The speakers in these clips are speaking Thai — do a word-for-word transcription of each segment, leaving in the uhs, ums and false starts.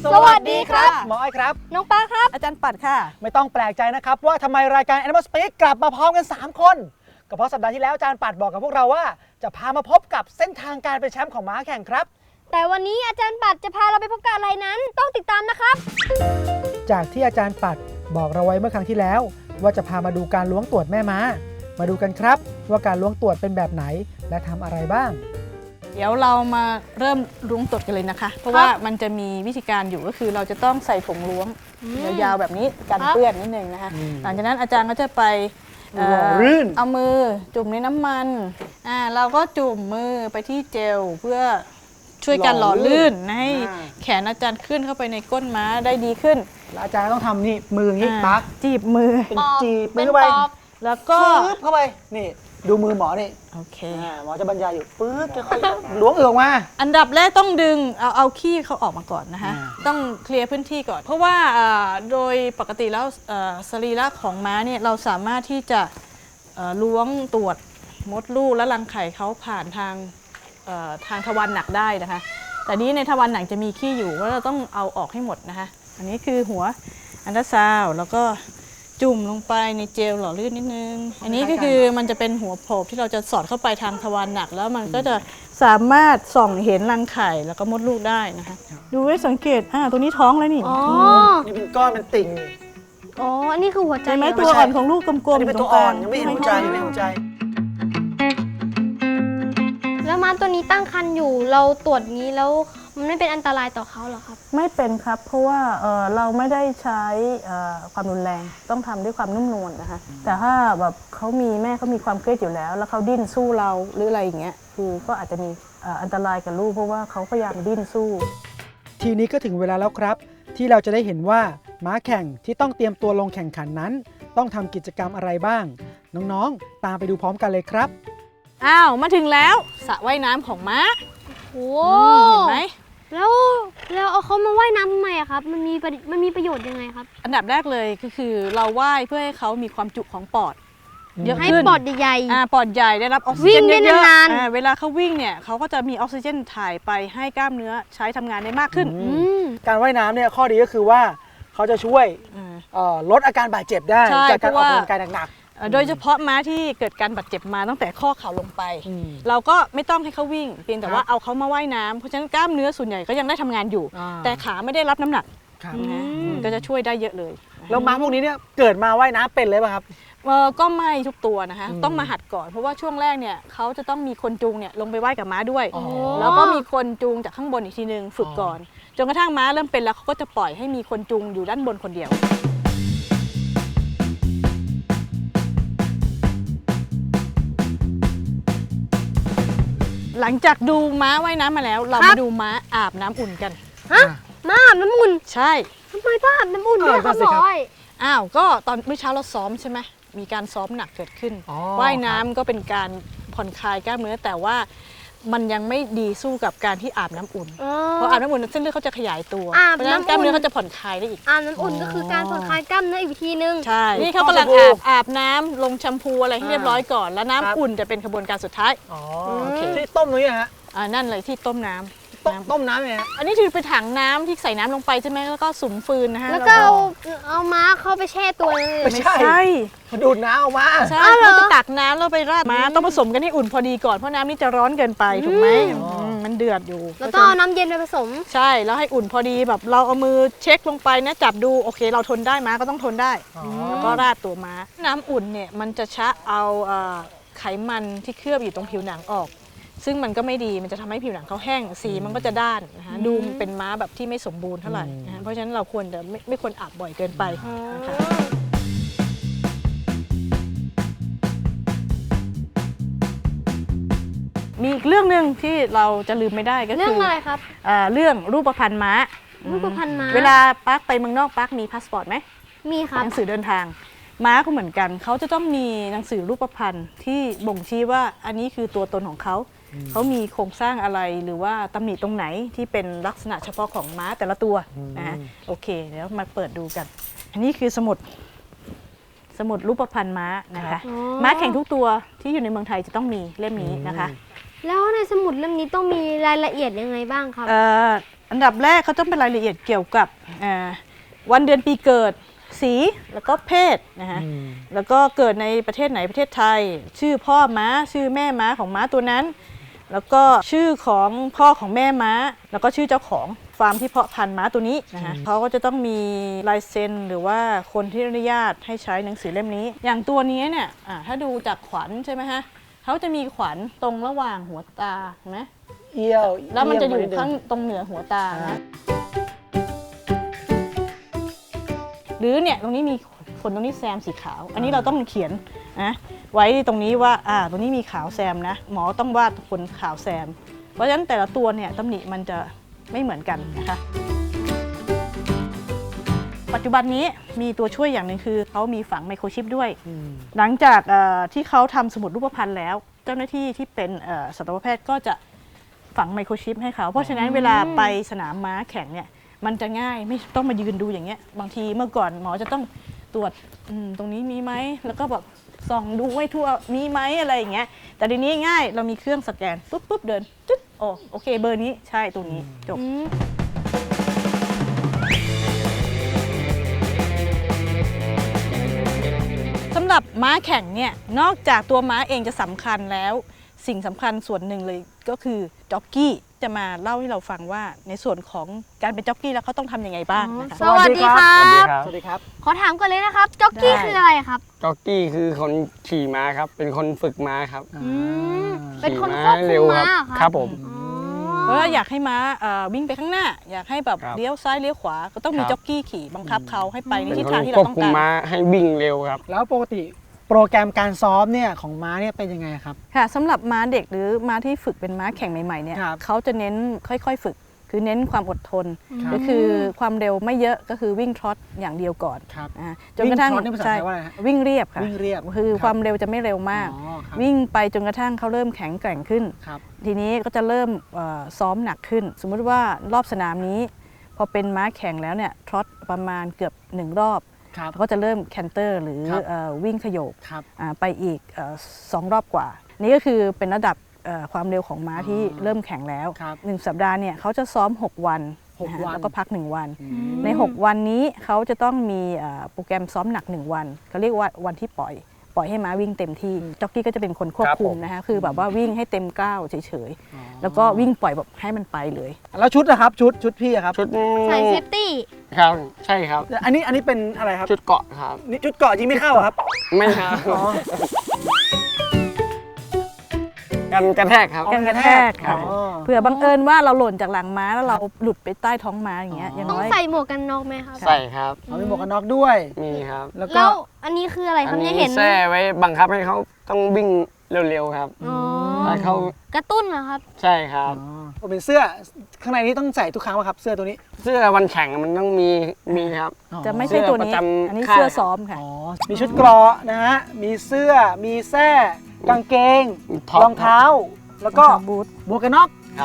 สวัสดีครับหมออ้อยครับน้องป้าครับอาจารย์ปัดค่ะไม่ต้องแปลกใจนะครับว่าทำไมรายการ Animal Speak กลับมาพร้อมกันสามคนก็เพราะสัปดาห์ที่แล้วอาจารย์ปัดบอกกับพวกเราว่าจะพามาพบกับเส้นทางการเป็นแชมป์ของม้าแข่งครับแต่วันนี้อาจารย์ปัดจะพาเราไปพบกับอะไรนั้นต้องติดตามนะครับจากที่อาจารย์ปัดบอกเราไว้เมื่อครั้งที่แล้วว่าจะพามาดูการล้วงตรวจแม่ม้ามาดูกันครับว่าการล้วงตรวจเป็นแบบไหนและทำอะไรบ้างเดี๋ยวเรามาเริ่มล้วงตรวจกันเลยนะคะเพราะว่ามันจะมีวิธีการอยู่ก็คือเราจะต้องใส่ถุงล้วงยาวๆแบบนี้กันเปื้อนนิดนึงนะคะหลังจากนั้นอาจารย์ก็จะไปเอามือจุ่มในน้ำมันอ่าเราก็จุ่มมือไปที่เจลเพื่อช่วยกันหล่อลื่นให้แขนอาจารย์ขึ้นเข้าไปในก้นม้าได้ดีขึ้นแล้วอาจารย์ต้องทำนี่มืออย่างนี้ปักจีบมือเป็นจีบมือเข้าไปแล้วก็ปึ๊บเข้าไปนี่ดูมือหมอนี่โอเคหมอจะบรรยายอยู่ปึ๊บจะค่อยล้วงออกมาอันดับแรกต้องดึงเอาเอาขี้เขาออกมาก่อนนะคะต้องเคลียร์พื้นที่ก่อนเพราะว่าโดยปกติแล้วสรีระของม้าเนี่ยเราสามารถที่จะล้วงตรวจมดลูกและรังไข่เขาผ่านทางทางทวารหนักได้นะคะแต่นี้ในทวารหนักจะมีขี้อยู่ว่าเราต้องเอาออกให้หมดนะคะอันนี้คือหัวอันตราซาวด์แล้วก็จุ่มลงไปในเจลหล่อลื่นนิดนึงอันนี้ก็คือมันจะเป็นหัวโผล่ที่เราจะสอดเข้าไปทางทวารหนักแล้วมันก็จะสามารถส่องเห็นรังไข่แล้วก็มดลูกได้นะคะดูไว้สังเกตอ่าตัวนี้ท้องแล้วนี่อ๋อนี่เป็นก้อนเป็นติ่งอ๋ออันนี้คือหัวใจใช่ไหมตัวอ่อนของลูกกลมๆเป็นตัวอ่อนยังไม่เห็นหัวใจยังไม่เห็นหัวใจแล้วม้าตัวนี้ตั้งครรภ์อยู่เราตรวจงี้แล้วมันไม่เป็นอันตรายต่อเขาหรอครับไม่เป็นครับเพราะว่า เ, เราไม่ได้ใช้ความรุนแรงต้องทำด้วยความนุ่มนวลนะคะแต่ถ้าแบบเขามีแม่เขามีความเครียดอยู่แล้วแล้วเขาดิ้นสู้เราหรืออะไรอย่างเงี้ยคือก็อาจจะมีอันตรายกับลูกเพราะว่าเขาพยายามดิ้นสู้ทีนี้ก็ถึงเวลาแล้วครับที่เราจะได้เห็นว่าม้าแข่งที่ต้องเตรียมตัวลงแข่งขันนั้นต้องทำกิจกรรมอะไรบ้างน้องๆตามไปดูพร้อมกันเลยครับอ้าวมาถึงแล้วสระว่ายน้ำของม้าโอ้เห็นไหมแล้วแล้วเอาเขามาว่ายน้ำทำไมอะครับมันมีมันมีประโยชน์ยังไงครับอันดับแรกเลยก็คือเราว่ายเพื่อให้เขามีความจุของปอดเยอะขึ้นให้ปอดใหญ่อ่าปอดใหญ่ได้รับออกซิเจนเยอะๆเวลาเขาวิ่งเนี่ยเขาก็จะมีออกซิเจนถ่ายไปให้กล้ามเนื้อใช้ทำงานได้มากขึ้นการว่ายน้ำเนี่ยข้อดีก็คือว่าเขาจะช่วยลดอาการบาดเจ็บได้จากการออกกำลังกายหนักโดยเฉพาะม้าที่เกิดการบาดเจ็บมาตั้งแต่ข้อเข่าลงไปเราก็ไม่ต้องให้เขาวิ่งเพียงแต่ว่าเอาเขามาว่ายน้ำเพราะฉะนั้นกล้ามเนื้อส่วนใหญ่ก็ยังได้ทำงานอยู่แต่ขาไม่ได้รับน้ำหนักก็จะช่วยได้เยอะเลยแล้วม้าพวกนี้เนี่ยเกิดมาว่ายน้ำเป็นเลยป่ะครับก็ไม่ทุกตัวนะคะต้องมาหัดก่อนเพราะว่าช่วงแรกเนี่ยเขาจะต้องมีคนจูงเนี่ยลงไปว่ายกับม้าด้วยแล้วก็มีคนจูงจากข้างบนอีกทีนึงฝึกก่อนจนกระทั่งม้าเริ่มเป็นแล้วเขาก็จะปล่อยให้มีคนจูงอยู่ด้านบนคนเดียวหลังจากดูม้าว่ายน้ำมาแล้วเรามาดูม้าอาบน้ำอุ่นกันฮะม้าอาบน้ำอุ่นใช่ทำไมต้องอาบน้ำอุ่นด้วยครับหมออ้าวก็ตอนเมื่อเช้าเราซ้อมใช่ไหมมีการซ้อมหนักเกิดขึ้นว่ายน้ำก็เป็นการผ่อนคลายกล้ามเนื้อแต่ว่ามันยังไม่ดีสู้กับการที่อาบน้ำอุ่นเพราะอาบน้ำอุ่นเส้นเลือดเขาจะขยายตัวเพราะฉะนั้นกล้ามเนื้อเขาจะผ่อนคลายได้อีกอาบน้ำอุ่นก็คือการผ่อนคลายกล้ามเนื้ออีกทีนึงใช่นี่เขากำลังอาบอาบน้ำลงแชมพูอะไรให้เรียบร้อยก่อนแล้วน้ำอุ่นจะเป็นกระบวนการสุดท้ายที่ต้มตรงนี้ฮะอ่านั่นเลยที่ต้มน้ำต้มน้ำเนี่ยอันนี้คือเป็นถังน้ำที่ใส่น้ำลงไปใช่ไหมแล้วก็สุมฟืนนะฮะแล้วก็เอาเอาม้าเข้าไปแช่ตัวไม่ใช่ดูดน้ำออกมาใช่เราจะตักน้ำแล้วไปราดม้าต้องผสมกันให้อุ่นพอดีก่อนเพราะน้ำนี่จะร้อนเกินไปถูกไหมมันเดือดอยู่แล้วต้องเอาน้ำเย็นไปผสมใช่แล้วให้อุ่นพอดีแบบเราเอามือเช็คลงไปนะจับดูโอเคเราทนได้ม้าก็ต้องทนได้แล้วก็ราดตัวม้าน้ำอุ่นเนี่ยมันจะชะเอาไขมันที่เคลือบอยู่ตรงผิวหนังออกซึ่งมันก็ไม่ดีมันจะทำให้ผิวหนังเขาแห้งสีมันก็จะด้านนะคะดูเป็นม้าแบบที่ไม่สมบูรณ์เท่าไหร่นะเพราะฉะนั้นเราควรจะไม่ไม่ควรอาบบ่อยเกินไปนะคะมีอีกเรื่องหนึ่งที่เราจะลืมไม่ได้ก็คือเรื่องอะไรครับเรื่องรูปพรรณม้ารูปพรรณม้าเวลาปักไปเมืองนอกปักมีพาสปอร์ตไหมมีครับหนังสือเดินทางม้าก็เหมือนกันเขาจะต้องมีหนังสือรูปพรรณที่บ่งชี้ว่าอันนี้คือตัวตนของเขาเขามีโครงสร้างอะไรหรือว่าตำหนิตรงไหนที่เป็นลักษณะเฉพาะของม้าแต่ละตัวนะโอเคเดี๋ยวมาเปิดดูกันอันนี้คือสมุดสมุดรูปพรรณม้านะคะม้าแข่งทุกตัวที่อยู่ในเมืองไทยจะต้องมีเล่มนี้นะคะแล้วในสมุดเล่มนี้ต้องมีรายละเอียดยังไงบ้างครับอันดับแรกเขาต้องเป็นรายละเอียดเกี่ยวกับอ่าวันเดือนปีเกิดสีแล้วก็เพศนะฮะแล้วก็เกิดในประเทศไหนประเทศไทย ชื่อพ่อม้าชื่อแม่ม้าของม้าตัวนั้น แล้วก็ชื่อของพ่อของแม่ม้า แล้วก็ชื่อเจ้าของฟาร์มที่เพาะพันธุ์ม้าตัวนี้นะฮะเขาก็จะต้องมีลายเซ็นหรือว่าคนที่อนุญาตให้ใช้หนังสือเล่มนี้ อย่างตัวนี้เนี่ยอ่าถ้าดูจากขวัญใช่ไหมฮะเขาจะมีขวัญตรงระหว่างหัวตาเห็นไหมเอี้ยวแล้วมันจะอยู่เงข้างตรงเหนือหัวตานะหรือเนี่ยตรงนี้มีขนตรงนี้แซมสีขาว อันนี้เราต้องเขียนนะไว้ตรงนี้ว่าอ่าตรงนี้มีขาวแซมนะหมอต้องวาดขนขาวแซม เพราะฉะนั้นแต่ละตัวเนี่ยตำหนิมันจะไม่เหมือนกันนะคะปัจจุบันนี้มีตัวช่วยอย่างหนึ่งคือเขามีฝังไมโครชิปด้วย หลังจากที่เขาทำสมุดรูปพรรณแล้ว เจ้าหน้าที่ที่เป็นสัตวแพทย์ก็จะฝังไมโครชิปให้เขาเพราะฉะนั้นเวลาไปสนามม้าแข่งเนี่ยมันจะง่ายไม่ต้องมายืนดูอย่างเงี้ยบางทีเมื่อก่อนหมอจะต้องตรวจตรงนี้มีไหมแล้วก็แบบส่องดูไว้ทั่วมีไหมอะไรอย่างเงี้ยแต่ทีนี้ง่ายเรามีเครื่องสแกนปุ๊บปุ๊บเดินตึ๊ดโอ้โอเคเบอร์นี้ใช่ตัวนี้จบสำหรับม้าแข่งเนี่ยนอกจากตัวม้าเองจะสำคัญแล้วสิ่งสำคัญส่วนหนึ่งเลยก็คือจ็อกกี้จะมาเล่าให้เราฟังว่าในส่วนของการเป็นจ็อกกี้แล้วเขาต้องทำยังไงบ้างนะคะสวัสดีครับสวัสดีครับขอถามก่อนเลยนะครับจ็อกกี้คืออะไรครับจ็อกกี้คือคนขี่ม้าครับ เป็นคนฝึกม้าครับมเป็นคนขี่ควบคุเร็มวม้าครับเหรอครับผมเพราะว่าอยากให้ม้าเอ่อวิ่งไปข้างหน้า อยากให้แบบครับเลี้ยวซ้ายเลี้ยวขวาก็ต้องมีครับจ็อกกี้ขี่บังคับเขาให้ไปในเป็นทิศคทางนที่ควเราบต้องคุมการม้าให้วิ่งเร็วครับแล้วปกติโปรแกรมการซ้อมเนี่ยของม้าเนี่ยเป็นยังไงครับค่ะสำหรับม้าเด็กหรือม้าที่ฝึกเป็นม้าแข่งใหม่ๆเนี่ยครับเขาจะเน้นค่อยๆฝึก คือเน้นความอดทนครับก็คือความเร็วไม่เยอะก็คือวิ่งทรอตอย่างเดียวก่อนครับอ่าจนกระทั่งวิ่งทรอตนี่ภาษาไทยว่าอะไรฮะวิ่งเรียบค่ะวิ่งเรียบคือครับความเร็วจะไม่เร็วมากอ๋อครับวิ่งไปจนกระทั่งเขาเริ่มแข็งแกร่งขึ้นครับทีนี้ก็จะเริ่มเอ่อซ้อมหนักขึ้น สมมุติว่ารอบสนามนี้ พอเป็นม้าแข่งแล้วเนี่ยทรอตประมาณเกือบหนึ่งรอบครับแล้วก็จะเริ่มแคนเตอร์หรือครับเอ่อวิ่งขยโยกครับอ่าไปอีกเอ่อสองรอบกว่า นี่ก็คือเป็นระดับเอ่อความเร็วของม้าที่เริ่มแข่งแล้วครับหนึ่งสัปดาห์เนี่ยเขาจะซ้อม หก วันหกนะฮะวันแล้วก็พัก หนึ่ง วันอืมใน หก วันนี้เขาจะต้องมีเอ่อโปรแกรมซ้อมหนัก หนึ่ง วันเขาเรียกว่าวันที่ปล่อย ปล่อยให้ม้าวิ่งเต็มที่จ็อกกี้ก็จะเป็นคนควบครับคุมผมนะคะคือแบบว่าวิ่งให้เต็มก้าวเฉยๆแล้วก็วิ่งปล่อยแบบให้มันไปเลยแล้วชุดนะครับชุดชุดพี่อะครับชุดใส่เซฟตี้ครับใช่ครับอันนี้อันนี้เป็นอะไรครับชุดเกาะครับนี่ชุดเกาะจริงไม่เข้าเหรอครับไม่ครับอ๋อกันกระแทกครับกันกระแทกครับอ๋อเผื่อบังเอิญว่าเราหล่นจากหลังม้าแล้วเราหลุดไปใต้ท้องม้าอย่างเงี้ยอย่างต้องน้อยใส่หมวกกันน็อกไหมครับใส่ครับเอามีหมวกกันน็อกด้วยมีครับแล้วก็แล้วอันนี้คืออะไรคอัรับนเนี่ยนี้เห็นแส้ไว้บังคับให้เขาต้องวิ่งเร็วๆครับอ๋อให้เขากระตุ้นเหรอครับใช่ครับอ๋อผมเป็นเสื้อข้างในนี้ต้องใส่ทุกครั้งป่ะครับ เสื้อตัวนี้เสื้อวันแข่งมันต้องมีมีครับอ๋อจะไม่ใช่ตัวนี้เสื้อประจำอันนี้ค่ายเสื้อซ้อมค่ะอ๋อมีชุดเกราะนะฮะมีเสื้อมีแส้กางเกงท็อปรองเท้า แล้วก็รองเท้าบูทหมวกกันน็อกครับ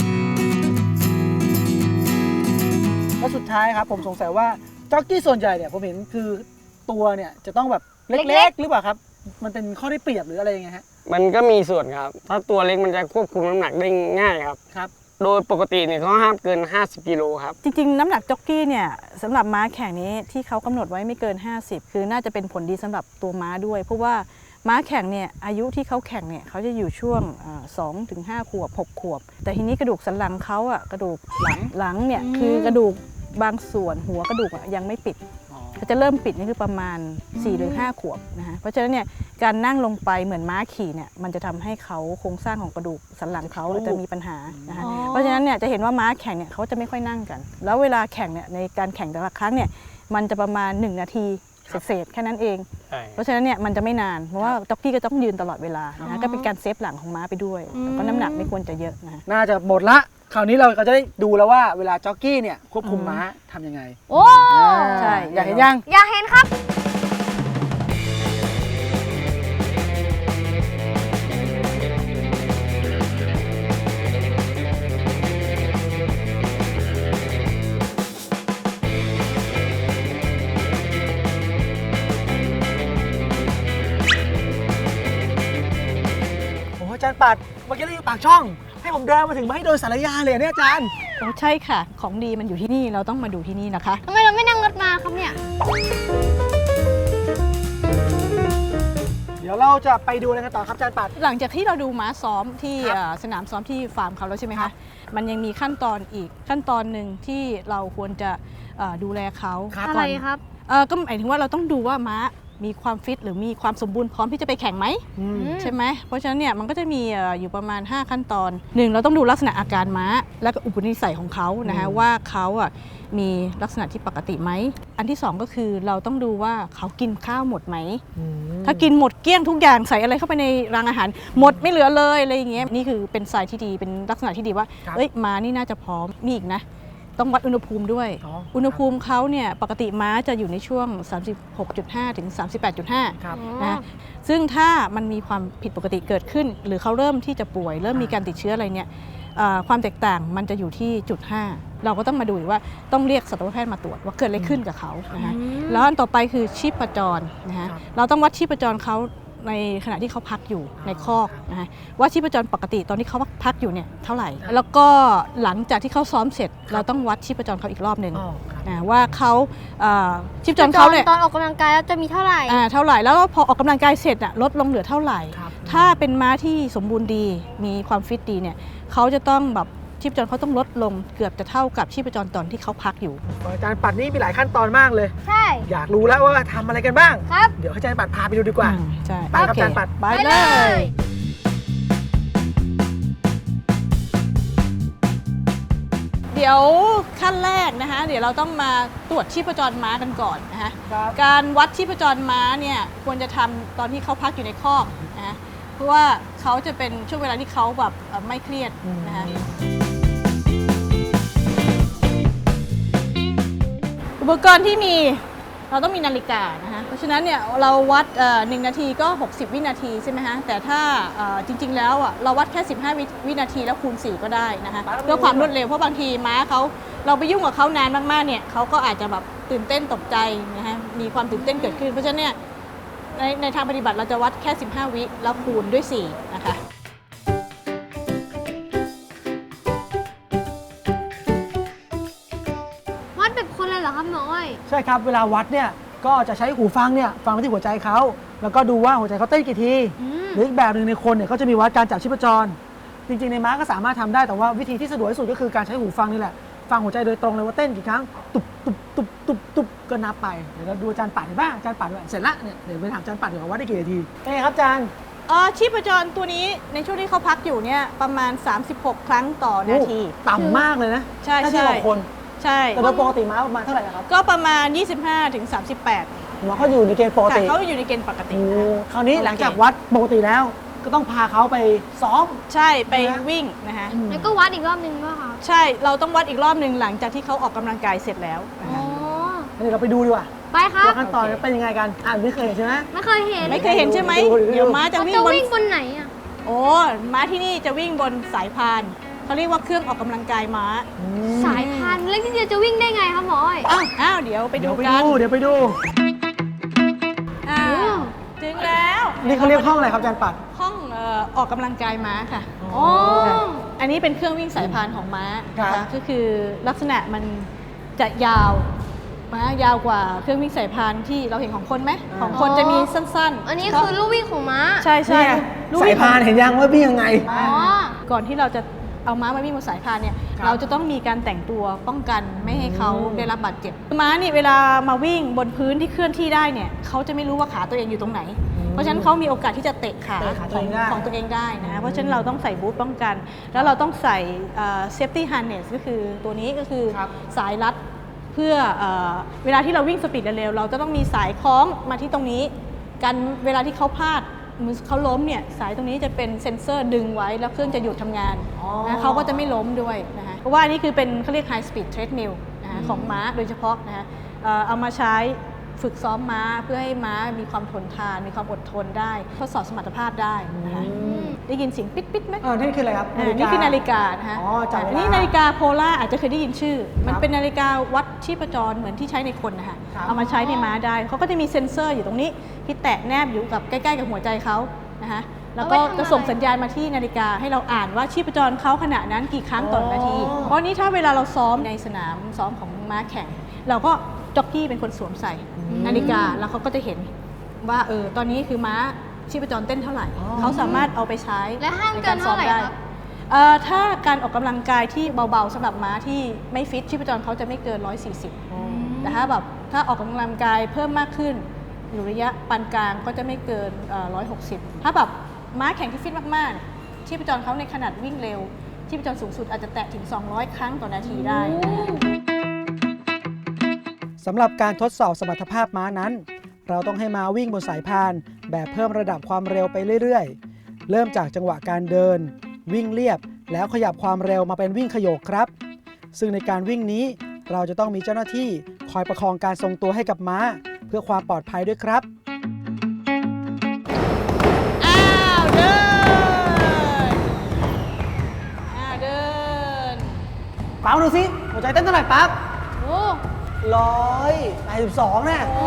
แล้วสุดท้ายครับผมสงสัยว่าจ็อกกี้ส่วนใหญ่เนี่ยผมเห็นคือตัวเนี่ยจะต้องแบบเเล็ล็กกๆๆ หรือเปล่าครับ มันเป็นข้อได้เปรียบหรืออะไรยังไงฮะมันก็มีส่วนครับ ถ้าตัวเล็กมันจะควบคุมน้ำหนักได้ง่ายครับครับโดยปกติเนี่ยเขาห้ามเกิน ห้าสิบกิโลครับจริงๆ น้ำหนักจ็อกกี้เนี่ยสำหรับม้าแข่งนี้ที่เขากำหนดไว้ไม่เกิน ห้าสิบ คือน่าจะเป็นผลดีสำหรับตัวม้าด้วย เพราะว่าม้าแข่งเนี่ยอายุที่เขาแข่งเนี่ยเขาจะอยู่ช่วงสองถึงห้าขวบหกขวบ แต่ทีนี้กระดูกสันหลังเขาอะกระดูกหลังหลังเนี่ยอืมคือกระดูกบางส่วนหัวกระดูกอะยังไม่ปิด ก็จะเริ่มปิดนี่คือประมาณสี่หรือห้าขวบนะฮะเพราะฉะนั้นเนี่ยการนั่งลงไปเหมือนม้าขี่เนี่ยมันจะทำให้เขาโครงสร้างของกระดูกสันหลังเขาจะมีปัญหานะคะอ๋อเพราะฉะนั้นเนี่ยจะเห็นว่าม้าแข่งเนี่ยเขาจะไม่ค่อยนั่งกัน แล้วเวลาแข่งเนี่ยในการแข่งแต่ละครั้งเนี่ยมันจะประมาณหนึ่งนาทีเศษๆแค่นั้นเองใช่เพราะฉะนั้นเนี่ยมันจะไม่นานเพราะว่าจ็อกกี้ก็ต้องยืนตลอดเวลานะฮะก็เป็นการเซฟหลังของม้าไปด้วยแล้วก็น้ำหนักไม่ควรจะเยอะนะฮะน่าจะหมดละ คราวนี้เราก็จะได้ดูแล้วว่าเวลาจ็อกกี้เนี่ยควบคุมม้าทำยังไงโอ้ใช่อยากเห็นยังอยากเห็นครับโอ้โหอาจารย์ปัดเมื่อกี้เราอยู่ปากช่อง ให้ผมเดินมาถึงมาให้โดนสารยาเลยเนี่ยอาจารย์โอ้ใช่ค่ะของดีมันอยู่ที่นี่เราต้องมาดูที่นี่นะคะทำไมเราไม่นั่งรถมาครับเนี่ยเดี๋ยวเราจะไปดูอะไรกันต่อครับอาจารย์ปัดหลังจากที่เราดูม้าซ้อมที่ครับเอ่อสนามซ้อมที่ฟาร์มเขาแล้วใช่ไหมครัคะบมันยังมีขั้นตอนอีกขั้นตอนหนึ่งที่เราควรจะเอ่อดูแลเขาครับอะไรครับเอ่อก็หมายถึงว่าเราต้องดูว่าม้ามีความฟิตหรือมีความสมบูรณ์พร้อมที่จะไปแข่งไหมอืมใช่ไหมเพราะฉะนั้นเนี่ยมันก็จะมีเอ่ออยู่ประมาณ ห้า ขั้นตอนหนึ่งเราต้องดูลักษณะอาการม้า และก็อุปนิสัยของเขานะคะอืมว่าเขาอ่ะมีลักษณะที่ปกติไหมอันที่สองก็คือเราต้องดูว่าเขากินข้าวหมดไหมอืมถ้ากินหมดเกลี้ยงทุกอย่างใส่อะไรเข้าไปในรางอาหาร หมดไม่เหลือเลยอะไรอย่างเงี้ยนี่คือเป็นสายที่ดีเป็นลักษณะที่ดีว่าครับเอ้ยม้านี่น่าจะพร้อมมีอีกนะ ต้องวัดอุณหภูมิด้วยอ๋ออุณหภูมิเขาเนี่ยปกติม้าจะอยู่ในช่วง สามสิบหกจุดห้า ถึง สามสิบแปดจุดห้าครับนะซึ่งถ้ามันมีความผิดปกติเกิดขึ้น หรือเขาเริ่มที่จะป่วย เริ่มมีการติดเชื้ออะไรเนี่ยเอ่อความแตกต่างมันจะอยู่ที่จุดห้าเราก็ต้องมาดูอีกว่าต้องเรียกสัตวแพทย์มาตรวจว่าเกิดอะไรขึ้นกับเขานะคะแล้วอันต่อไปคือชีพจรนะคะครับเราต้องวัดชีพจรเขาในขณะที่เขาพักอยู่ในคอกนะคะว่าชีพจรปกติตอนที่เขาพักอยู่เนี่ยเท่าไหร่ แล้วก็หลังจากที่เขาซ้อมเสร็จ เราต้องวัดชีพจรเขาอีกรอบหนึ่งอ๋อครับนะว่าเขาเอ่อชีพจรเขาเนี่ยตอนออกกำลังกายแล้วจะมีเท่าไหร่อ่าเท่าไหร่แล้วพอออกกำลังกายเสร็จอะลดลงเหลือเท่าไหร่ครับถ้าเป็นม้าที่สมบูรณ์ดีมีความฟิตดีเนี่ยเขาจะต้องแบบชีพจรเขาต้องลดลงเกือบจะเท่ากับชีพจรตอนที่เขาพักอยู่อาจารย์ปัดนี่มีหลายขั้นตอนมากเลยใช่อยากรู้แล้วว่าทำอะไรกันบ้างครับเดี๋ยวให้อาจารย์ปัดพาไปดูดีกว่าอืมใช่ไปครับโอเคอาจารย์ปัดไปไปเลเลย ยเดี๋ยวขั้นแรกนะคะเดี๋ยวเราต้องมาตรวจชีพจรม้ากันก่อนนะคะครับการวัดชีพจรม้าเนี่ยควรจะทำตอนที่เขาพักอยู่ในคอกนะคะเพราะว่าเขาจะเป็นช่วงเวลาที่เขาแบบเอ่อไม่เครียดนะคะ อุปกรณ์ที่มีเราต้องมีนาฬิกานะคะเพราะฉะนั้นเนี่ยเราวัดเอ่อหนึ่งนาทีก็ หกสิบ วินาทีใช่ไหมฮะแต่ถ้าเอ่อจริงๆแล้วอ่ะเราวัดแค่ สิบห้า วิวินาทีแล้วคูณ สี่ ก็ได้นะคะเพื่อความรวดเร็วเพราะบางทีม้าเขาเราไปยุ่งกับเขานานมากๆเนี่ยเขาก็อาจจะแบบตื่นเต้นตกใจนะฮะมีความตื่นเต้นเกิดขึ้นเพราะฉะนั้นเนี่ยในในทางปฏิบัติเราจะวัดแค่ สิบห้า วิแล้วคูณด้วย สี่ นะคะวัดแบบคนเลยเหรอครับหมออ้อยใช่ครับ เวลาวัดเนี่ยก็จะใช้หูฟังเนี่ยฟังไปที่หัวใจเขาแล้วก็ดูว่าหัวใจเขาเต้นกี่ทีอืมหรืออีกแบบหนึ่งในคนเนี่ยก็จะมีวัดการจับชีพจร จริงๆในม้าก็สามารถทำได้แต่ว่าวิธีที่สะดวกที่สุดก็คือการใช้หูฟังนี่แหละฟังหัวใจโดยตรงเลยว่าเต้นกี่ครั้งตุบตุบตุบตุบตุบก็นับไปเดี๋ยวเราดูอาจารย์ปัดเห็นป่ะอาจารย์ปัดด้วยเสร็จละเนี่ยเดี๋ยวไปถามอาจารย์ปัดเดี๋ยวว่าได้กี่นาทีเป็นไงครับอาจารย์เอ่อชีพจรตัวนี้ในช่วงที่เขาพักอยู่เนี่ยประมาณ สามสิบหก ครั้งต่อนาทีโอ้ต่ำมากเลยนะใช่ถ้าเทียบกับใช่คนใช่แต่โดยปกติม้าประมาณเท่าไหร่นะครับก็ประมาณ ยี่สิบห้าถึงสามสิบแปดหัวเขาอยู่ในเกณฑ์ปกค่ะติเขาอยู่ในเกณฑ์ปกติโอ้นะคราวนี้โอเคหลังจากวัดปกติแล้ว ก็ต้องพาเขาไปซ้อมใช่ไปนะวิ่งนะคะแล้วก็วัดอีกรอบหนึ่งป่ะครับใช่เราต้องวัดอีกรอบหนึ่งหลังจากที่เขาออกกำลังกายเสร็จแล้วนะอ๋อคะเดี๋ยวเราไปดูดีกว่าไปครับว่าขั้นตอนโอเคเป็นยังไงกันอ่านไม่เคยเห็นใช่ไหมไม่เคยเห็นไม่เคยเห็นใช่ไหมดูดูดูเดี๋ยวม้าจะเขาวิ่งจะบนวิ่งบนไหนอ่ะโอ้ม้าที่นี่จะวิ่งบนสายพานเขาเรียกว่าเครื่องออกกำลังกายม้าอืมสายพันธุ์แล้วที่เดียวจะวิ่งได้ไงครับหมออ้อยอ้าวอ้าวเดี๋ยวไปเดี๋ดูยวไปกันดูเดี๋ยวไปดูอ้าวถึงแล้วนี่เขาเรียกห้องอะไรครับอาจารย์ปัดห้องเอ่อออกกำลังกายม้าค่ะอ๋ออันนี้เป็นเครื่องวิ่งสายพานของม้าครับนะคะก็คือลักษณะมันจะยาวม้ายาวกว่าเครื่องวิ่งสายพานที่เราเห็นของคนไหมของคนจะมีสั้นๆอันนี้คือลูกวิ่งของม้าใช่ใช่เนี่ยลูกสายวิ่งพานเห็นยังว่าวิ่งยังไงอ๋อก่อนที่เราจะเอาม้ามาวิ่งบนสายพานเนี่ยครับเราจะต้องมีการแต่งตัวป้องกันไม่ให้เขาอืมได้รับบาดเจ็บม้านี่เวลามาวิ่งบนพื้นที่เคลื่อนที่ได้เนี่ยเขาจะไม่รู้ว่าขาตัวเองอยู่ตรงไหน เพราะฉะนั้นเขามีโอกาสที่จะเตะขาเตะขาขตัวองเองได้ของตัวเองได้นะเพราะฉะนั้นเราต้องใส่บูทป้องกัน แล้วเราต้องใส่เซฟตี้ฮาร์เนสก็คือตัวนี้ก็คือครับสายรัดเพื่อเออเวลาที่เราวิ่งสปีดเร็วๆเราจะต้องมีสายคล้องมาที่ตรงนี้กันเวลาที่เขาพลาดมือเขาล้มเนี่ยสายตรงนี้จะเป็นเซ็นเซอร์ดึงไว้แล้วเครื่องจะหยุดทำงานอ๋อนะเขาก็จะไม่ล้มด้วยนะคะเพราะว่าอันนี่คือเป็นเขาเรียก high speed treadmill นะคะของม้าโดยเฉพาะนะคะเอ่อเอามาใช้ฝึกซ้อมม้าเพื่อให้ม้ามีความทนทาน มีความอดทนได้ทดสอบสมรรถภาพได้นะคะอืมได้ยินเสียงปิ๊ดปิ๊ดไหมเออนี่คืออะไรครับอ่านี่คือนาฬิกานะคะอ๋อจับเวลาอันนี้นาฬิกาโพล่าอาจจะเคยได้ยินชื่อ มันครับเป็นนาฬิกาวัดชีพจรเหมือนที่ใช้ในคนนะคะครับเอามาใช้ในม้าได้เขาก็จะมีเซ็นเซอร์อยู่ตรงนี้ที่แตะแนบอยู่กับใกล้ๆกับหัวใจเขานะคะแล้วก็เอาไว้ทำอะไรจะส่งสัญญาณมาที่นาฬิกาให้เราอ่านว่าชีพจรเขาขณะนั้นกี่ครั้งต่อนาทีอ๋อเพราะนี้ถ้าเวลาเราซ้อมในสนามซ้อมของม้าแข่ง เราก็จ็อกกี้เป็นคนสวมใส่นาฬิกาแล้วเขาก็จะเห็นว่าเออตอนนี้คือม้าชีพจรเต้นเท่าไหร่ เขาสามารถเอาไปใช้และห้ามในเกินเท่าไหร่ด้ครับเอ่อถ้าการออกกำลังกายที่เบาๆสำหรับม้าที่ไม่ฟิตชีพจรเขาจะไม่เกิน หนึ่งร้อยสี่สิบ แต่ถ้าแบบถ้าออกกำลังกายเพิ่มมากขึ้น อยู่ระยะปานกลางก็จะไม่เกินเอ่อหนึ่งร้อยหกสิบ ถ้าแบบม้าแข่งที่ฟิตมากๆเนี่ยชีพจรเขาในขนาดวิ่งเร็วชีพจรสูงสุดอาจจะแตะถึง สองร้อย ครั้งต่อนาทีได้สำหรับการทดสอบสมรรถภาพม้านั้น เราต้องให้ม้าวิ่งบนสายพานแบบเพิ่มระดับความเร็วไปเรื่อยๆ เริ่มจากจังหวะการเดิน วิ่งเรียบ แล้วขยับความเร็วมาเป็นวิ่งขโยกครับ ซึ่งในการวิ่งนี้เราจะต้องมีเจ้าหน้าที่คอยประคองการทรงตัวให้กับม้า เพื่อความปลอดภัยด้วยครับอ้าวเดินอ้าวเดินปั๊บดูสิหัวใจเต้นเท่าไหร่ปั๊บโอ้ร้อยแปดสิบสองเนี่ยโห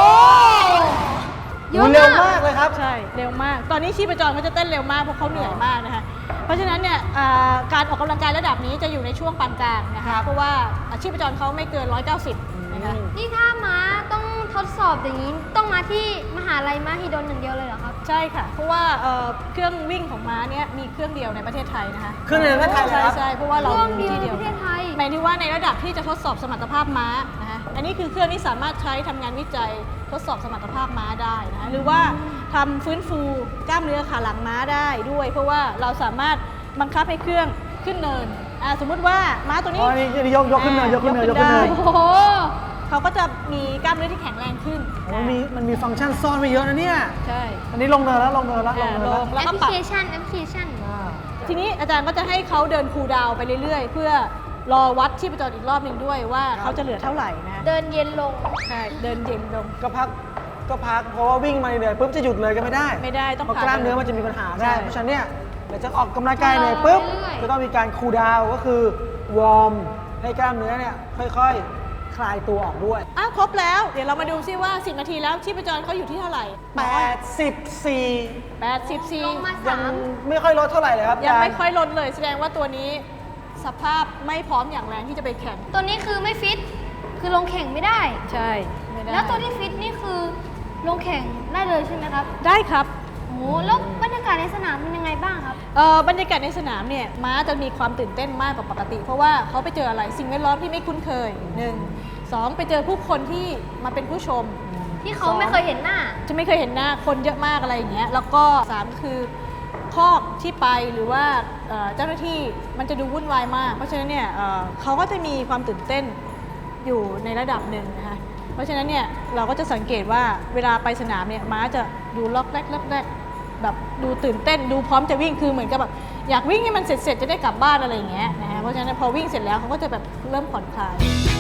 เยโอ้อะเร็วมากมากเลยครับใช่เร็วมาก ตอนนี้ชีพจรเขาจะเต้นเร็วมากเพราะเขาเหนื่อยมากนะคะ เพราะฉะนั้นเนี่ยอ่าการออกกำลังกายระดับนี้จะอยู่ในช่วงปานกลางนะคะ เพราะว่าชีพจรเขาไม่เกินหนึ่งร้อยเก้าสิบนะคะนี่ถ้าม้าต้องทดสอบอย่างนี้ต้องมาที่มหาลัยมหิดลอย่างเดียวเลยเหรอครับใช่ค่ะ เพราะว่าเอ่อเครื่องวิ่งของม้าเนี่ยมีเครื่องเดียวในประเทศไทยนะคะเครื่องเดียวในประเทศไทยเหรอครับใช่ใช่เพราะว่าเราเครื่องมีเดียวที่ในเดียวประเทศไทยหมายถึงว่าในระดับที่จะทดสอบสมรรถภาพม้านะคะอันนี้คือเครื่องที่สามารถใช้ทำงานวิจัยทดสอบสมรรถภาพม้าได้นะคะหรือว่าทำฟื้นฟูกล้ามเนื้อขาหลังม้าได้ด้วย เพราะว่าเราสามารถบังคับให้เครื่องขึ้นเนินอ่าสมมุติว่าม้าตัวอ๋นี้อนี่นี่ยกยกขึ้นเนินยกขึ้นเนินยกขึ้นเนินได้โอ้โหเขาก็จะมีกล้ามเนื้อที่แข็งแรงขึ้นโอ้มันมีมันมีฟังก์ชันซ่อนไว้เยอะนะเนี่ยใช่อันนี้ลงเนินแล้วลงเนินแล้วลงอ่าเนินลแล้วงแล้วแอปก็พลิปรับเคชันแอปพลิเคชันอ่าทีนี้อาจารย์ก็จะให้เขาเดินคูลดาวน์ไปเรื่อยๆ เพื่อรอวัดชีพจรอีกรอบหนึ่งด้วยว่าเขาจะเหลือเท่าไหร่นะเดินเย็นลงใช่เดินเย็นลงก็พักก็พักเพราะว่าวิ่งมาเหนื่อยปุ๊บจะหยุดเลยก็ไม่ได้ไม่ได้ต้องเพราะพักกล้ามเนื้อมันจะมีปัญหาได้ใช่เพราะฉะนั้นเนี่ยเดี๋ยวจะออกกำลังกายเหนื่อยปุ๊บเรื่อยๆจะต้องมีการคูลดาวน์ก็คือวอร์มให้กล้ามเนื้อเนี่ยค่อยๆ คลายตัวออกด้วยอ้าวครบแล้ว เดี๋ยวเรามาดูซิว่า สิบ นาทีแล้วชีพจรเขาอยู่ที่เท่าไหร่แปดสิบสี่แปดสิบสี่ลงมายัสาง มไม่ค่อยลดเท่าไหร่เลยครับยังอาจารไม่ย์ค่อยลดเลย แสดงว่าตัวนี้สภาพไม่พร้อมอย่างแรงที่จะไปแข่งตัวนี้คือไม่ฟิต คือลงแข่งไม่ได้ใช่ไม่ได้แล้วตัวที่ฟิตนี่คือลงแข่งได้เลยใช่ไหมครับได้ครับโอ้โหแล้วบรรยากาศในสนามเป็นยังไงบ้างครับเอ่อบรรยากาศในสนามเนี่ยม้าจะมีความตื่นเต้นมากกว่าปกติ เพราะว่าเขาไปเจออะไรสิ่งแวดล้อมที่ไม่คุ้นเคยหนึ่งสองไปเจอผู้คนที่มาเป็นผู้ชมที่เขาไม่เคยเห็นหน้าจะไม่เคยเห็นหน้าคนเยอะมากอะไรอย่างเงี้ยแล้วก็สามคือคอกที่ไปหรือว่าเอ่อเจ้าหน้าที่มันจะดูวุ่นวายมาก เพราะฉะนั้นเนี่ยเอ่อเขาก็จะมีความตื่นเต้นอยู่ในระดับหนึ่งนะคะเพราะฉะนั้นเนี่ยเราก็จะสังเกตว่าเวลาไปสนามเนี่ยม้าจะดูล็อกแรกล็อกแรกแบบดูตื่นเต้นดูพร้อมจะวิ่งคือเหมือนกับแบบอยากวิ่งให้มันเสร็จๆจะได้กลับบ้านอะไรอย่างเงี้ยนะฮะเพราะฉะนั้นพอวิ่งเสร็จแล้วเขาก็จะแบบเริ่มผ่อนคลาย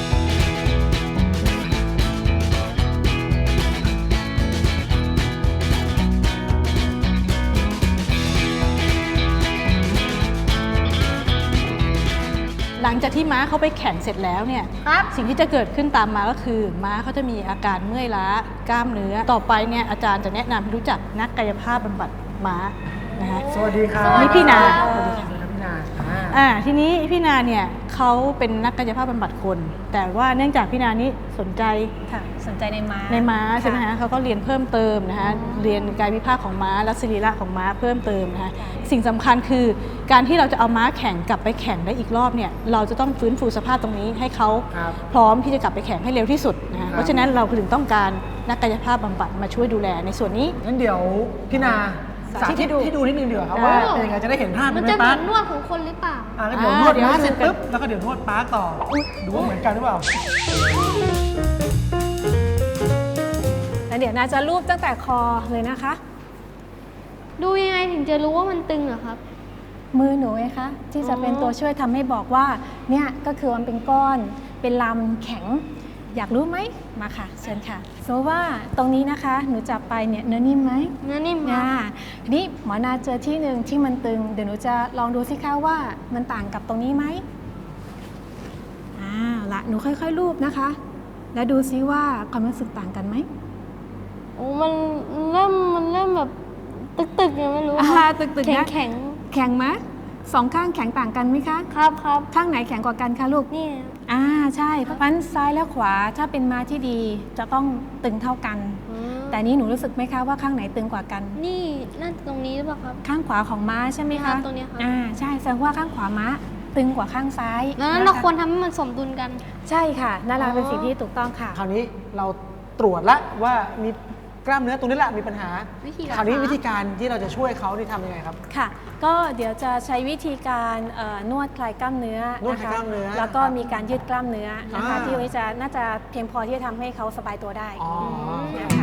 หลังจากที่ม้าเขาไปแข่งเสร็จแล้วเนี่ยครับสิ่งที่จะเกิดขึ้นตามมาก็คือ ม้าเขาจะมีอาการเมื่อยล้ากล้ามเนื้อ ต่อไปเนี่ยอาจารย์จะแนะนำให้รู้จักนักกายภาพบำบัดม้านะคะสวัสดีครับนี่พี่นาสวัสดีครับพี่นาอ่าอ่าทีนี้พี่นาเนี่ยเขาเป็นนักกายภาพบำบัดคน แต่ว่าเนื่องจากพี่นานี้สนใจค่ะสนใจในม้าในม้าใช่ไหมคะเขาก็เรียนเพิ่มเติมนะคะเรียนกายวิภาคของม้าและสรีระของม้าเพิ่มเติมนะคะสิ่งสำคัญคือการที่เราจะเอาม้าแข่งกลับไปแข่งได้อีกรอบเนี่ยเราจะต้องฟื้นฟูสภาพตรงนี้ให้เขาครับพร้อมที่จะกลับไปแข่งให้เร็วที่สุดนะคะเพราะฉะนั้นเราถึงต้องการนักกายภาพบำบัดมาช่วยดูแลในส่วนนี้งั้นเดี๋ยวพี่นาสาธิตให้ดูนิดนึงเดี๋ยวาครับได้ว่าเป็นยังไงจะได้เห็นภาพมันไหจะเหมืปั๊อบ นนวดของคนหรือเปล่าอ่างั้นเดี๋ยวนวดม้าเสร็จปุ๊บแล้วก็เดี๋ยวนวดปาร์คต่ออุ๊ยดูว่าเหมือนกันหรือเปล่าแล้วเดี๋ยวนาจะรูปตั้งแต่คอเลยนะคะดูยังไงถึงจะรู้ว่ามันตึงเหรอครับมือหนูไงคะที่จะเป็นตัวช่วยทำให้บอกว่าเนี่ยก็คือมันเป็นก้อนเป็นลำแข็ง อยากรู้ไหมมาค่ะเชิญค่ะสมมติว่าตรงนี้นะคะหนูจับไปเนี่ยเนื้อนิ่มไหมเนื้อนิ่มครัอ่าบทีนี้หมอนาเจอที่หนึ่งที่มันตึงเดี๋ยวหนูจะลองดูสิคะว่ามันต่างกับตรงนี้ไหมอ่าละหนูค่อยๆรูปนะคะ แล้วดูซิว่าความรู้สึกต่างกันไหมโอ้มันเริ่มมันเริ่มแบบตึกๆยังไม่รู้อ่าตึกแข็ๆงนะแข็งแข็งไหมสองข้างแข็งต่างกันไหมคะครับครับข้างไหนแข็งกว่ากันคะลูกนี่อ่าใช่เพราะฉะนั้นซ้ายและขวาถ้าเป็นม้าที่ดีจะต้องตึงเท่ากันอืมแต่นี้หนูรู้สึกไหมคะว่าข้างไหนตึงกว่ากันนี่นั่นตรงนี้หรือเปล่าครับข้างขวาของม้าใช่ไหมครัคะบตรงเนี้ยครับอ่าใช่แสดงว่าข้างขวาม้าตึงกว่าข้างซ้ายดังนั้นนะะเราควรทำให้มันสมดุลกันใช่ค่ะนั่นแหละอ๋อเป็นสิ่งที่ถูกต้องค่ะคราวนี้เราตรวจละว่ามีกล้ามเนื้อตรงนี้แหละมีปัญหาวิธีคราวนี้รักษาวิธีการที่เราจะช่วยเขาที่ทำยังไงครับค่ะ ก็เดี๋ยวจะใช้วิธีการเอ่อนวดคลายกล้ามเนื้อนวดนะคลายคะกล้ามเนื้อแล้วก็ครับมีการยืดกล้ามเนื้อนะคะอ่าที่วันนี้จะน่าจะเพียงพอที่จะทำให้เขาสบายตัวได้อ๋อนะคะ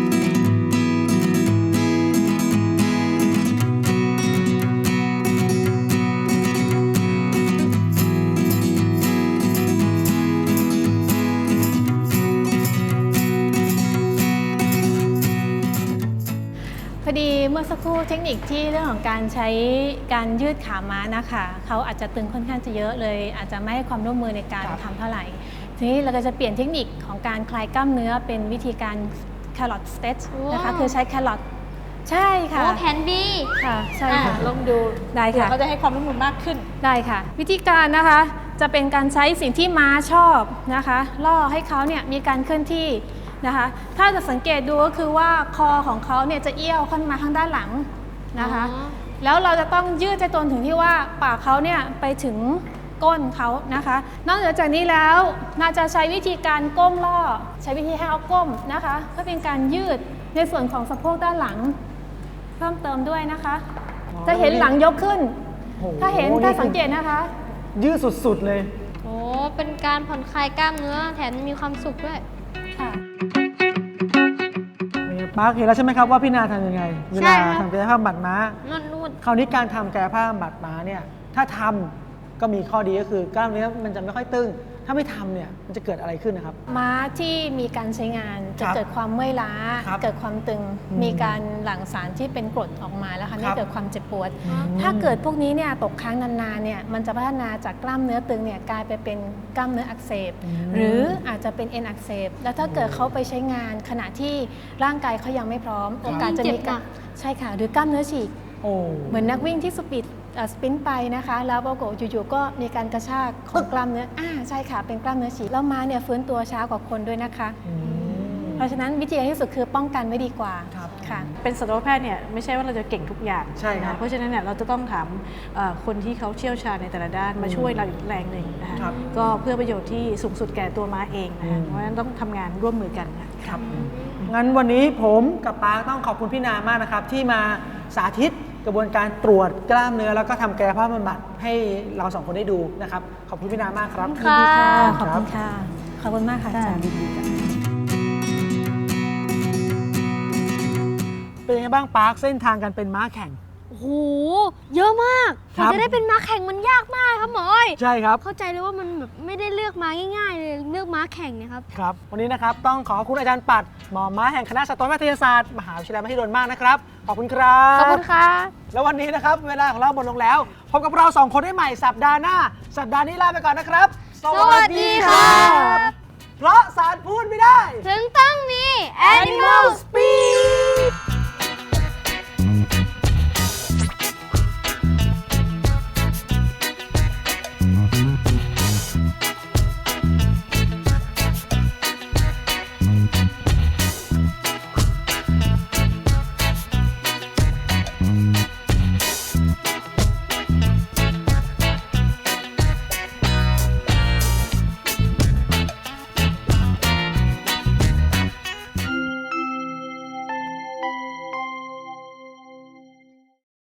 พอดีเมื่อสักครู่เทคนิคที่เรื่องของการใช้การยืดขาม้านะคะเขาอาจจะตึงค่อนข้างจะเยอะเลย อาจจะไม่ให้ความร่วมมือในการครับทำเท่าไหร่ ทีนี้เราก็จะเปลี่ยนเทคนิคของการคลายกล้ามเนื้อเป็นวิธีการ carrot stretch นะคะว้าวคือใช้ carrot ใช่ค่ะโอ้แผนดีค่ะใช่อ่ะค่ะลองดูได้เผื่อค่ะเขาจะให้ความร่วมมือมากขึ้นได้ค่ะ วิธีการนะคะจะเป็นการใช้สิ่งที่ม้าชอบนะคะล่อให้เขาเนี่ยมีการเคลื่อนที่นะคะ ถ้าจะสังเกตดูก็คือว่าคอของเขาเนี่ยจะเอี้ยวขึ้นมาข้างด้านหลังนะคะอ๋อแล้วเราจะต้องยืดใจตนถึงที่ว่าปากเขาเนี่ยไปถึงก้นเขานะคะ นอกเหนือจากนี้แล้วน่าจะใช้วิธีการก้มล่อ ใช้วิธีให้เขาก้มนะคะเพื่อเป็นการยืดในส่วนของสะโพกด้านหลัง เพิ่มเติมด้วยนะคะอ๋อจะเห็นหลังยกขึ้นโอ้โถ้าเห็นถ้าสังเกตนะคะยืดสุดๆเลยโอ้เป็นการผ่อนคลายกล้ามเนื้อแถมมีความสุขด้วยค่ะนี่ปาร์คเห็นแล้วใช่ไหมครับว่าพี่นาทำยังไง เวใช่ลาครับทำกายภาพบำบัดม้านวดนวดคราวนี้การทำกายภาพบำบัดม้าเนี่ยถ้าทำก็มีข้อดีก็คือกล้ามเนื้อมันจะไม่ค่อยตึง ถ้าไม่ทำเนี่ยมันจะเกิดอะไรขึ้นนะครับม้าที่มีการใช้งานจะครับเกิดความเมื่อยล้าครับเกิดความตึงอืมมีการหลั่งสารที่เป็นกรดออกมาแล้วค่ะครันี่บเกิดความเจ็บปวดอืมถ้าเกิดพวกนี้เนี่ยตกค้างนานๆเนี่ยมันจะพัฒนาจากกล้ามเนื้อตึงเนี่ยกลายไปเป็นกล้ามเนื้ออักเสบอืมหรืออาจจะเป็นเอ็นอักเสบ แล้วถ้าเกิดเขาไปใช้งานขณะที่ร่างกายเขายังไม่พร้อม โอกาสจะมีการใช่ค่ะหรือกล้ามเนื้อฉีกโอ้เหมือนนักวิ่งที่สปีดเอ่อสปรินต์ไปนะคะ แล้วปรากฏอยู่ๆก็มีการกระชากของกล้ามเนื้ออ่าใช่ค่ะเป็นกล้ามเนื้อฉีกแล้วม้าเนี่ยฟื้นตัวช้ากว่าคนด้วยนะคะอืมเพราะฉะนั้นวิธีการที่สุดคือป้องกันไว้ดีกว่าครับค่ะเป็นสัตวแพทย์เนี่ยไม่ใช่ว่าเราจะเก่งทุกอย่างใช่ครับนะเพราะฉะนั้นเนี่ยเราจะต้องถามเอ่อคนที่เขาเชี่ยวชาญในแต่ละด้านมาช่วยเราอีกแรงหนึ่งนะคะครับก็เพื่อประโยชน์ที่สูงสุดแก่ตัวม้าเองนะอืคะมเพราะฉะนั้นต้องทำงานร่วมมือกันค่ะครับงั้นวันนี้ผมกับปาร์คต้องขอบคุณพี่นามากนะครับ ที่มาสาธิตกระบวนการตรวจกล้ามเนื้อแล้วก็ทำกายภาพบำบัดให้เราสองคนได้ดูนะครับ ขอบคุณพี่นามากครับขอบคุณค่ะขอบคุณค่ะ ขอบคุณมากค่ะอาจารย์เป็นยังไงบ้างปาร์คเส้นทางการเป็นม้าแข่งโอ้โหเยอะมากกครัว่าบจะได้เป็นม้าแข่งมันยากมากครับหมออ้อยใช่ครับเข้าใจเลยว่ามันแบบไม่ได้เลือกม้าง่ายๆเลยเลือกม้าแข่งเนะครับครับ วันนี้นะครับต้องขอขอบคุณอาจารย์ปัดหมอม้าแห่งคณะสัตวแพทยศาสตร์มหาวิทยาลัยมหิดลมากนะครับ ขอบคุณครับขอบคุณค่ะแล้ววันนี้นะครับเวลาของเราหมดลงแล้วพบกับเราสองคนได้ใหม่สัปดาห์หน้า สัปดาห์นี้ลาไปก่อนนะครับสวัสดีค่ะเพราะสารพูดไม่ได้ถึงต้องมี Animal Speak